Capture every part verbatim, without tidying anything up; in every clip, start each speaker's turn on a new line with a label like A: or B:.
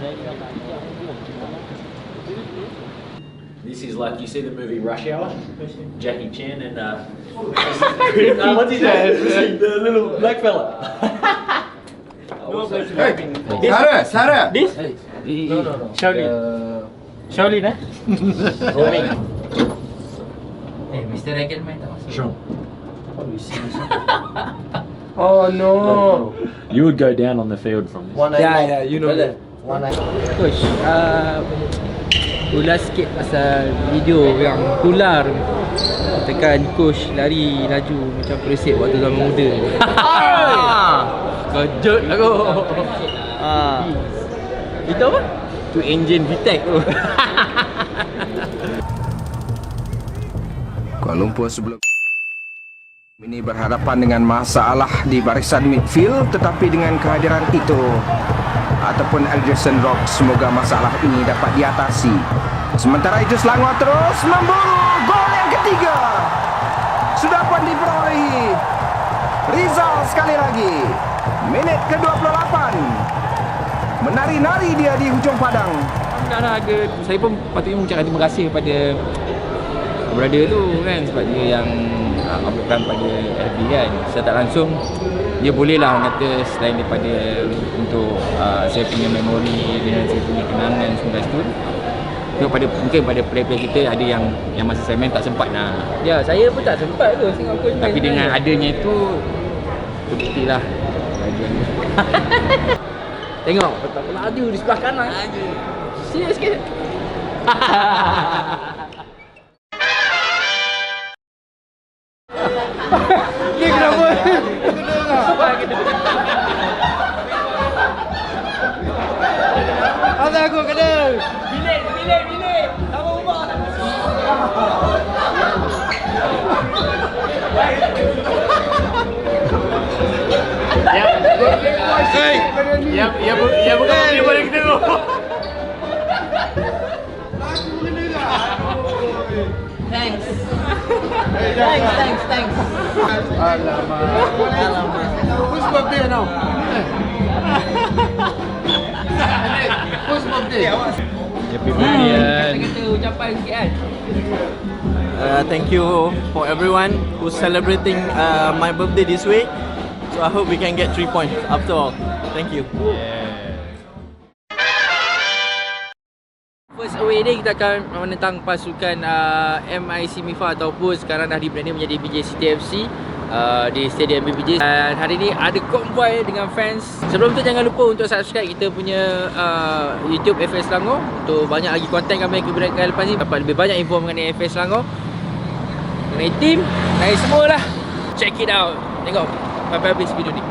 A: This is like, you see the movie Rush Hour? Jackie Chan and uh, uh what's his name? The little black fella.
B: Hey, Sarah, Sarah.
C: This? No, no, no. Shaolin. Shaolin, eh? Roaming.
D: Eh, Mister Regelman tak masuk.
A: Sure.
B: Oh no.
A: You would go down on the field from this.
B: Yeah, yeah, you know that.
D: Coach, uh, ulas sikit pasal video yang tular tekan coach lari laju macam Persib waktu zaman muda. Kejut aku. Ah. Itu apa? Tu engine V-Tech tu.
B: Kuala Lumpur sebelum ini berhadapan dengan masalah di barisan midfield, tetapi dengan kehadiran itu ataupun Algerson Rock, semoga masalah ini dapat diatasi. Sementara itu Selangor terus memburu gol yang ketiga. Sudah pun diperolehi Rizal sekali lagi. Minit ke dua puluh lapan. Menari-nari dia di hujung padang.
D: Dah ada, saya pun patutnya mengucapkan terima kasih kepada brother tu kan, sebab dia yang uh, uploadkan pada F B kan. Secara tak langsung dia bolehlah kata selain daripada untuk uh, saya punya memori dan saya punya kenangan semua kat situ, pada mungkin pada player-player kita ada yang yang masa saya main tak sempat nak. Ya, saya pun tak sempat tu tengok coach main. Tapi dengan adanya itu terbuktilah bahagian dia. Tengok betapa laju di sebelah kanan. Laju. Serius ke? Ni kenapa? Apa aku kena? Bilik, bilik, bilik. Sama rumah. Ya, hey, ya, ya, ya bukan dia boleh kita tu. Thanks. Thanks, thanks, thanks.
B: Alamak.
D: Alamak.
B: Whose birthday now? Whose birthday?
D: Happy birthday. Kita ucapan sikit kan.
C: Uh, thank you for everyone who's celebrating uh, my birthday this week. So I hope we can get three points after all. Thank you.
D: First away ni kita akan menentang pasukan uh, M I C Mifa ataupun sekarang dah di-branding menjadi B J City F C uh, di Stadium B B J. Dan hari ni ada konvoi dengan fans. Sebelum tu jangan lupa untuk subscribe kita punya uh, YouTube F S Selangor untuk banyak lagi konten kami yang kita berikan lepas ni, dapat lebih banyak info mengenai F S Selangor, mengenai team, mengenai semualah. Check it out. Tengok sampai habis video ni.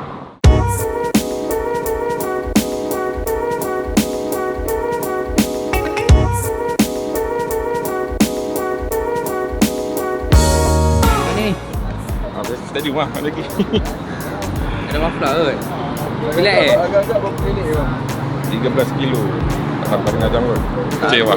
E: Tadi rumah lagi.
D: Ada mafla kot. Relax eh?
B: Agak-agak berapa minit bang?
E: tiga belas kilo. Tak sampai tengah jam kot. Kecewa.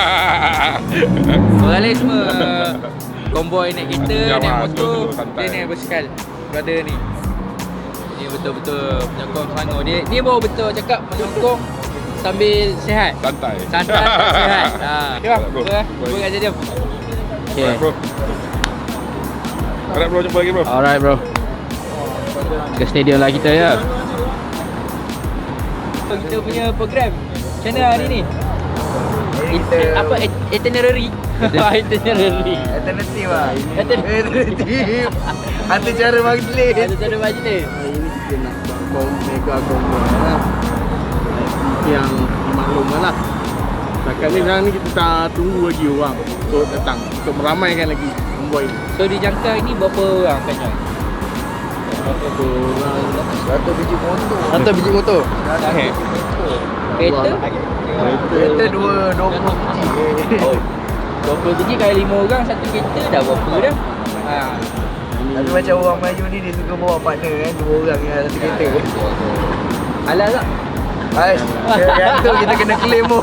D: Orang lain semua konvoi naik kereta,
E: Ya,
D: naik
E: mas,
D: motor,
E: dulu santai.
D: dia naik basikal. Brother ni, ni betul-betul penyokong Selangor. Dia dia baru betul cakap menyokong sambil sihat.
E: Santai.
D: Santai dan sihat. Ha. Okay bang,
E: Bro.
D: bro. Bro kat stadium. Okay.
E: Alright, bro. Alright bro, jumpa lagi bro.
D: Alright bro. Ke stadium lah kita ya. Kita punya program macam mana hari ni? Kita apa itinerary? Itinerary.
B: Alternatif lah.
D: Alternatif.
B: Ada cara majlis.
D: Ada cara majlis.
C: Hari ini kita nak buat mega konvoi lah. Yang dimaklumkan lah. Setakat ni sekarang ni kita tak tunggu lagi orang untuk datang, untuk meramaikan lagi konvoi ni.
D: So dijangka ini berapa orang akan join?
C: Berapa orang?
B: Satu biji motor.
C: Atau biji motor?
D: Okay. Kereta?
B: Kereta dua, dua puluh biji.
D: Oh, dua puluh biji kali lima orang satu kereta dah berapa dah? Ha.
B: Tapi macam orang Melayu ni dia suka bawa partner kan, dua orang yang satu kereta.
D: Halal tak?
B: Ais, yang tu kita kena claim tu.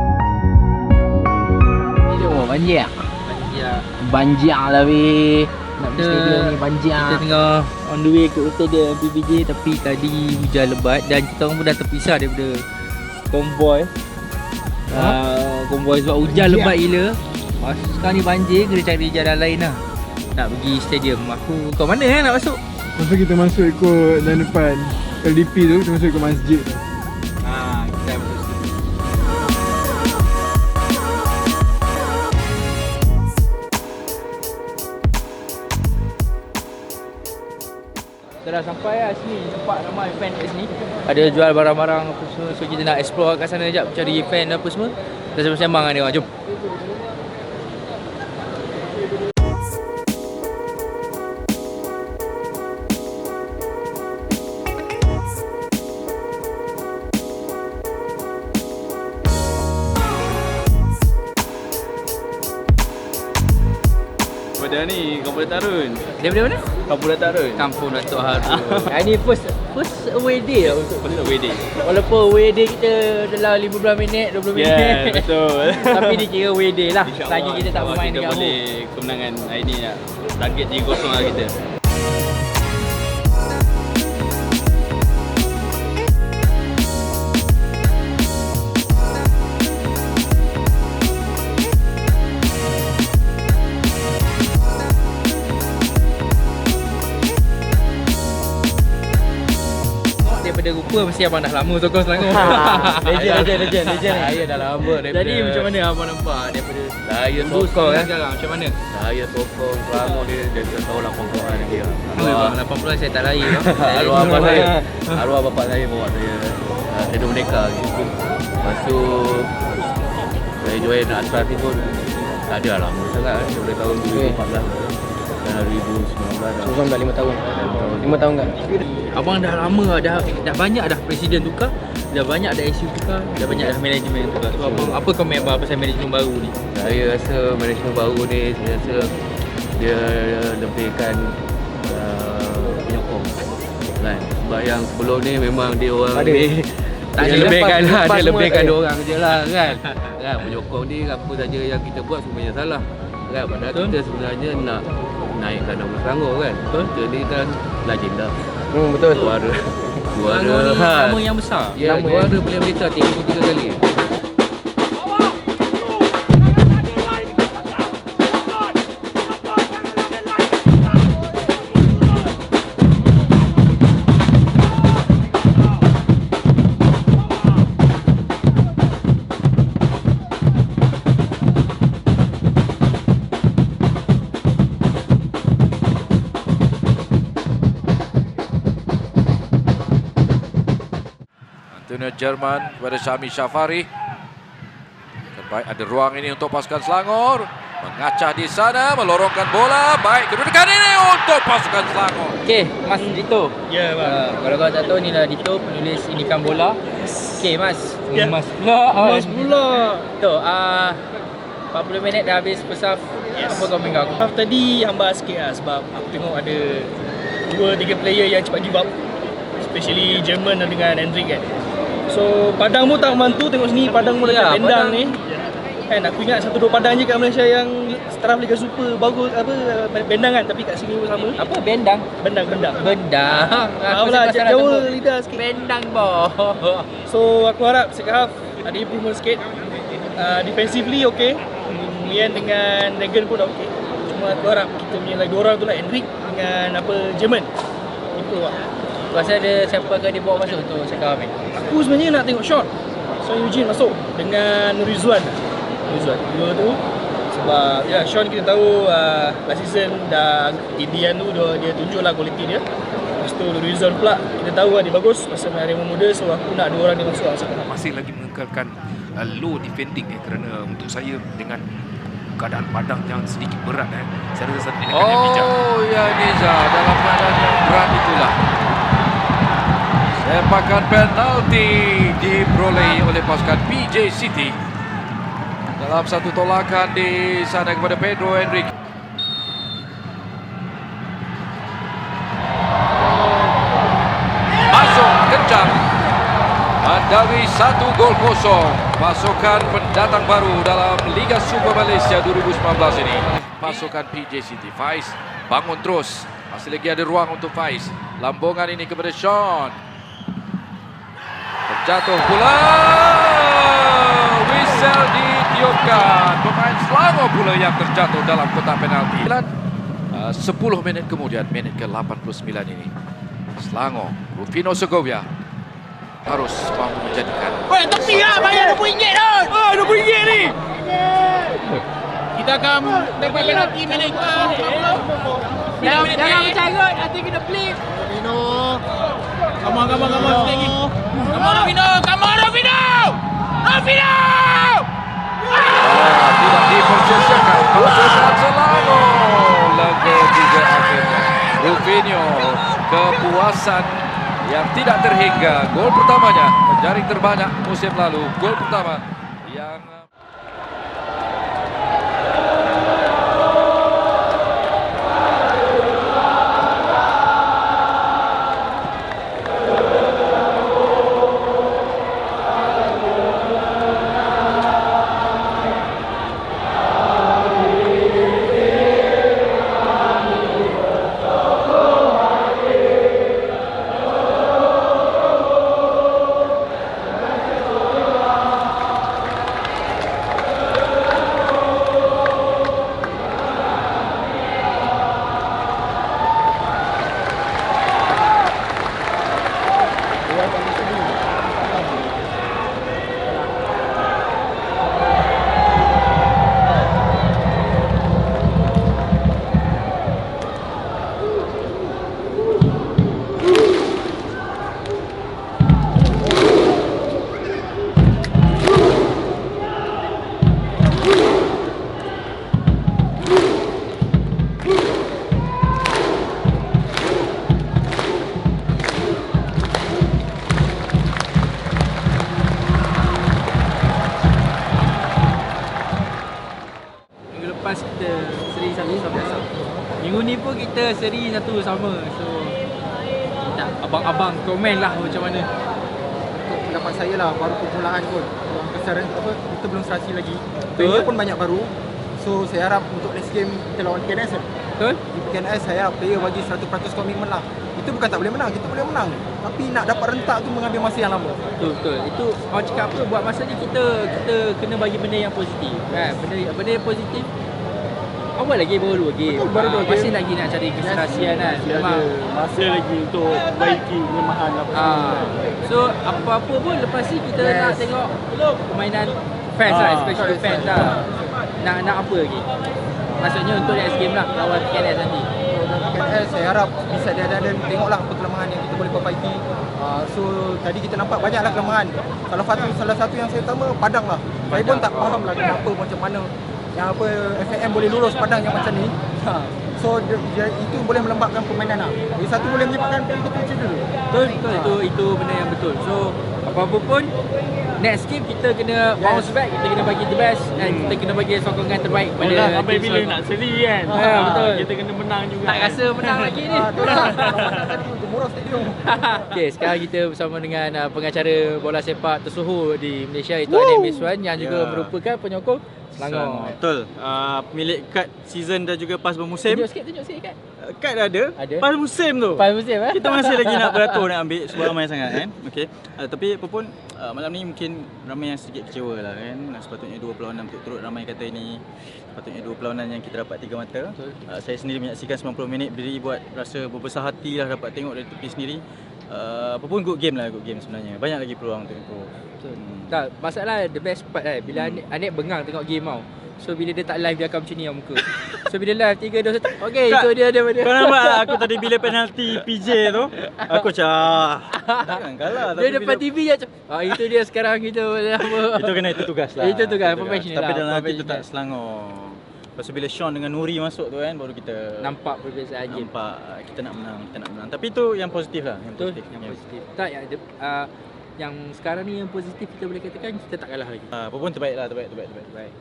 D: Banjir. Banjir. Banjir lah weh.
F: Nak pergi stadium ni banjir.
G: Kita tengah on the way ke stadium P B J, tapi tadi hujan lebat dan kita orang pun dah terpisah daripada konvoi. Uh, konvoi sebab hujan lebat gila. Masuk sekarang ni banjir, kena cari jalan lain lah nak pergi stadium. Aku kat mana eh nak masuk?
C: Masa kita masuk ikut dan depan L D P tu, kita masuk ikut masjid.
G: Ah, kita masuk situ. Kita dah sampai lah sini, tempat ramai fan kat sini. Ada jual barang-barang apa semua, so kita nak explore kat sana sekejap, cari fan apa semua. Kita sembang-sembang dengan dia orang, jom.
H: Daripada ni, Kampung Tarun.
G: Daripada mana?
H: Kampung Tarun.
G: Kampung Datuk Harun. Ini first first away day lah untuk
H: First away day.
G: walaupun away day kita dalam lima belas minit, dua puluh minit.
H: Yeah, betul.
G: Tapi dikira away day lah.
H: InsyaAllah,
G: Lagi kita tak bermain
H: kita
G: dekat
H: boleh kemenangan hari ni lah. Target tiga kosong lah kita.
G: Daripada rupa mesti abang dah lama sokong Selangor.
F: Legend, legend, legend, legend.
G: Saya dah lama daripada.
F: Jadi macam mana abang nampak daripada
G: Saya
F: dulu
G: sokong
F: sekarang
G: eh.
F: sekarang macam mana?
G: Saya sokong Selangor dia dari tahun lapan puluhan lagi lah.
F: Bang, lapan puluhan saya tak lahir.
G: Arwah abang saya, arwah bapak saya bawa saya uh, Stadium Merdeka gitu. Lepas tu saya join Asrati pun tak ada lah, lama sangat kan, daripada tahun dua ribu empat belas dan dua ribu sembilan belas dah.
F: Abang dah lima tahun. lima tahun kan?
G: Abang dah lama dah, dah banyak dah presiden tukar, dah banyak dah S U tukar, dah banyak dah manajemen tukar. So abang, apa komen abang pasal manajemen baru ni? Saya rasa manajemen baru ni, saya rasa dia lebihkan uh, penyokong kan. Sebab yang sebelum ni memang dia orang
F: Ada.
G: ni tak
F: Dia
G: dia lebihkan
F: lepas-
G: lah,
F: lepas
G: dia
F: semua
G: lebihkan
F: tak
G: dia
F: ada.
G: orang je lah kan. Kan penyokong ni apa saja yang kita buat semuanya salah. Kan padahal kita sebenarnya nak naikkan nama Selangor kan. Kita ni kan legenda.
F: Hmm, betul.
G: Juara. Juara.
F: Selangor ni
G: Ha.
F: nama yang besar.
G: Ya,
F: Nama
G: juara Piala Malaysia tiga puluh tiga kali.
I: Antonio Jerman kepada Syami Syafari. Terbaik ada ruang ini untuk pasukan Selangor. Mengacah di sana, melorongkan bola. Baik, kedudukan ini untuk pasukan Selangor.
G: Okey, Mas Dito.
H: Ya, bang.
G: Uh, kalau kau tak tahu, ni lah Dito, penulis Indikan Bola. Okey, Mas.
H: Ya.
G: Mas pula.
H: Mas pula.
G: Tu, uh, empat puluh minit dah habis first half.
H: Yes.
G: Apa kau pegang?
H: Half tadi hambar sikit lah sebab aku tengok ada dua tiga player yang cepat give up, especially Jerman dengan Hendrik kan. So Padang pun tak membantu, tengok sini Padang pun
G: Ya,
H: dekat Bendang
G: Padang.
H: ni. Kan aku ingat satu dua Padang je kat Malaysia yang setaraf Liga Super bagus apa Bendang kan, tapi kat sini pun sama.
G: Apa? Bendang?
H: Bendang Bendang.
G: Bendang.
H: Faham lah, jauh lidah sikit.
G: Bendang boh.
H: So aku harap second half ada improvement sikit. Uh, defensively okey. Mian dengan Dragon pun dah okey. Cuma aku harap kita punya lagi dua orang tu lah, Hendrik dengan apa Jerman. Improve lah.
G: Rasa ada siapa akan dibawa masuk untuk second half ni?
H: Aku sebenarnya nak tengok Sean. Sean Eugene masuk dengan Rizwan. Rizwan. Dua tu sebab ya Sean kita tahu uh, last season dah Indian tu dia, dia tunjuklah kualiti dia. Lepas tu Rizwan pula kita tahu lah dia bagus masa main Harimau Muda, so aku nak dua orang dia masuk lah sekarang.
I: Masih lagi mengekalkan uh, low defending eh, kerana untuk saya dengan keadaan Padang yang sedikit berat eh. Saya rasa satu tindakan yang bijak. Oh ya Niza, dalam keadaan yang berat itulah sepakan penalti diperolehi oleh pasukan P J City dalam satu tolakan di sana kepada Pedro Hendrik. Masuk kencang mendalui satu gol kosong pasukan pendatang baru dalam Liga Super Malaysia dua ribu sembilan belas ini. pasukan P J City. Faiz bangun terus. Masih lagi ada ruang untuk Faiz. Lambungan ini kepada Sean. Terjatuh pula. Whistle ditiupkan. Pemain Selangor pula yang terjatuh dalam kotak penalti. Uh, sepuluh minit kemudian, minit ke lapan puluh sembilan ini. Selangor, Rufino Segovia harus mampu menjadikan.
H: Weh, tepi lah, bayar dua puluh ringgit tu. Oh, dua puluh ringgit ni. Kita akan dapat penalti minit ke
G: Jangan jangan bercarut, nanti kena flip.
H: Rufino. Come on, come on, come on. Sikit lagi. Come on, Rufino. Come on, Rufino. Rufino!
I: Ah, tidak dipercayai. Pasukan Selangor lega juga akhirnya. Rufino, kepuasan yang tidak terhingga. Gol pertamanya menjaring terbanyak musim lalu. Gol pertama yang
G: kita seri satu sama. Minggu ni pun kita seri satu sama. So tak, abang-abang komen lah macam mana.
B: Untuk pendapat saya lah, baru permulaan pun. Keseran apa, kita belum serasi lagi.
G: Betul.
B: Player pun banyak baru. So saya harap untuk next game kita lawan P K N S kan.
G: Betul?
B: Di P K N S saya harap player bagi seratus peratus komitmen lah. Itu bukan tak boleh menang, kita boleh menang. Tapi nak dapat rentak tu mengambil masa yang lama.
G: Betul, betul. Itu orang cakap apa, buat masa ni kita kita kena bagi benda yang positif kan. Benda benda yang positif. Awal lagi baru dua game.
B: Betul, baru dua game.
G: Masih lagi nak cari keserasian kan. Memang
C: Masa lagi untuk baiki kelemahan apa
G: ah. So apa-apa pun lepas ni kita
B: Yes.
G: nak tengok permainan fans
C: Ah,
G: lah, especially fans lah. Nak nak apa lagi? Maksudnya untuk next game lah lawan P K N S nanti.
B: P K N S saya harap bisa dia ada tengoklah apa kelemahan yang kita boleh perbaiki. Uh, so tadi kita nampak banyaklah kelemahan. Salah satu salah satu yang saya utama Padang lah. Saya pun tak faham lah kenapa macam mana yang apa F A M boleh lulus Padang yang macam ni. Ha. So dia, dia, itu boleh melembabkan permainan lah. Jadi satu boleh menyebabkan player kita cedera.
G: Betul, betul. Itu itu benda yang betul. So apa-apa pun next game kita kena
B: Yes.
G: bounce back, kita kena bagi the best dan kita kena bagi sokongan terbaik kepada
C: Pada sampai
G: tim
C: bila
G: Selangor.
C: nak seri kan.
G: Ha, betul.
C: Kita kena menang juga.
G: Tak rasa menang lagi ni.
B: Ah, tu lah. Orang tadi Gemurah Stadium.
G: Okey, sekarang kita bersama dengan uh, pengacara bola sepak tersohor di Malaysia iaitu Anik Miswan yang juga
C: Ya.
G: merupakan penyokong Selangor.
C: Betul. Uh, pemilik kad season dan juga pas bermusim.
G: Tunjuk sikit, tunjuk sikit kan.
C: Uh, kad ada.
G: Ada.
C: Pas musim tu.
G: Pas musim eh.
C: Kita masih lagi nak beratur nak ambil sebab ramai sangat kan. Okey. Uh, tapi apa pun uh, malam ni mungkin ramai yang sedikit kecewa lah kan. Sepatutnya dua perlawanan turut-turut ramai kata ini. Sepatutnya dua perlawanan yang kita dapat tiga mata. Uh, saya sendiri menyaksikan sembilan puluh minit berdiri buat rasa berbesar hati lah dapat tengok dari tepi sendiri. Uh, apa pun good game lah, good game sebenarnya. Banyak lagi peluang untuk improve.
G: Hmm. Tak, masalah the best part kan bila Anik, Anik bengang tengok game tau. So bila dia tak live dia akan macam ni yang muka. So bila live tiga dua satu. Okey, itu dia dia dia.
C: Kau nampak aku tadi bila penalti P J tu, aku cah. Takkan kalah
G: Dia depan T V je macam. Ah itu dia sekarang kita apa.
C: Itu kena itu tugas lah.
G: Itu tugas, professional
C: Tapi
G: lah,
C: dalam hati
G: professional.
C: tetap Selangor. Lepas tu bila Sean dengan Nuri masuk tu kan baru kita
G: Nampak perbezaan game.
C: nampak kita nak menang, kita nak menang. Tapi itu yang positif lah, yang
G: Betul,
C: positif.
G: yang
C: Ya.
G: positif. Tak yang ada uh, yang sekarang ni yang positif kita boleh katakan kita tak kalah lagi.
C: Ah, apa pun terbaik lah, terbaik, terbaik, terbaik.
G: Baik.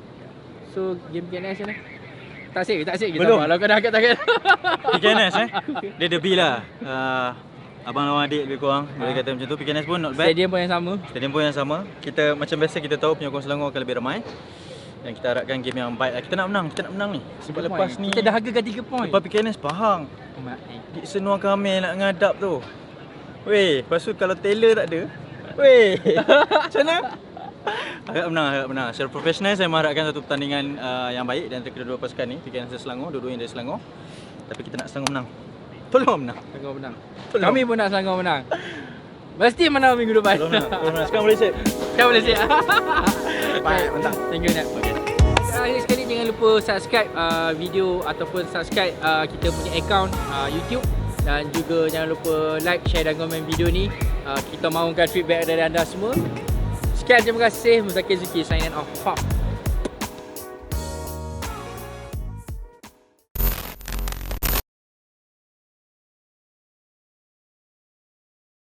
G: So game P K N S ni tak asyik, tak asyik kita.
C: Belum.
G: Kalau kau dah angkat tangan.
C: P K N S eh, dia derby lah. Uh, abang lawan adik lebih kurang, boleh kata macam tu. P K N S pun not bad.
G: Stadium pun yang sama.
C: Stadium pun yang sama. Kita macam biasa kita tahu penyokong Selangor akan lebih ramai.
J: Dan kita harapkan game yang baik lah. Kita nak menang, kita nak menang ni. Sebab lepas ni
G: Kita dah hargakan tiga point.
J: lepas P K N S Pahang Di Senua kami nak ngadap tu. Weh, lepas tu kalau Taylor tak ada. Weh, macam mana? Harap menang, harap menang. Secara profesional saya mengharapkan satu pertandingan uh, yang baik di antara kedua-dua pasukan ni. P K N S Selangor, dua-dua yang dari Selangor. Tapi kita nak Selangor menang. Tolong menang.
G: Selangor menang.
J: Tolong.
G: Kami pun nak Selangor menang. Mesti menang minggu depan.
J: Tolong menang. Tolong menang. Sekarang boleh set.
G: Sekarang boleh siap.
J: Baik, mantap.
G: Thank you Nat. Okay. Akhir sekali jangan lupa subscribe uh, video ataupun subscribe uh, kita punya account uh, YouTube. Dan juga jangan lupa like, share dan komen video ni. uh, Kita mahukan feedback dari anda semua. Sekian, terima kasih. Muzakir Zuki signing off.